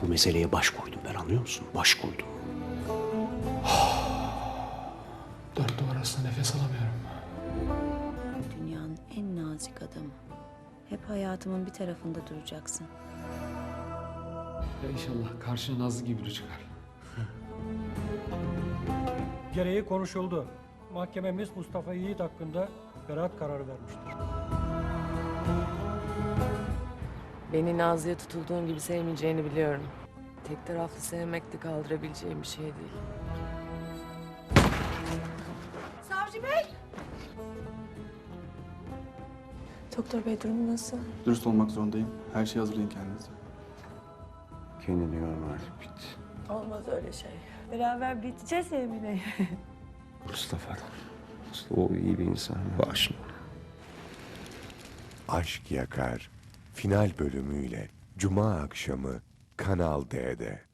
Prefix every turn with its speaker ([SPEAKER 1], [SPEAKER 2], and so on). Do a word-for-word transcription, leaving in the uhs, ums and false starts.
[SPEAKER 1] Bu meseleye baş koydum ben, anlıyor musun? Baş koydum.
[SPEAKER 2] Dört duvar arasında nefes alamıyorum.
[SPEAKER 3] Dünyanın en nazik adamı. Hep hayatımın bir tarafında duracaksın.
[SPEAKER 2] Ya inşallah karşına Nazlı gibi biri çıkar.
[SPEAKER 4] Gereği konuşuldu. Mahkememiz Mustafa Yiğit hakkında beraat kararı vermiştir.
[SPEAKER 5] Beni Nazlı'ya tutulduğun gibi sevmeyeceğini biliyorum. Tek taraflı sevmek de kaldırabileceğim bir şey değil.
[SPEAKER 6] Savcı Bey!
[SPEAKER 5] Doktor Bey durumu nasıl?
[SPEAKER 7] Dürüst olmak zorundayım. Her şeyi hazırlayın kendinize.
[SPEAKER 1] Kendini yorma artık, bitti.
[SPEAKER 5] Olmaz öyle şey. Beraber biteceğiz Emine.
[SPEAKER 1] Mustafa, Mustafa o iyi bir insan. Bağışla.
[SPEAKER 8] Aşk Yakar final bölümüyle Cuma akşamı Kanal D'de.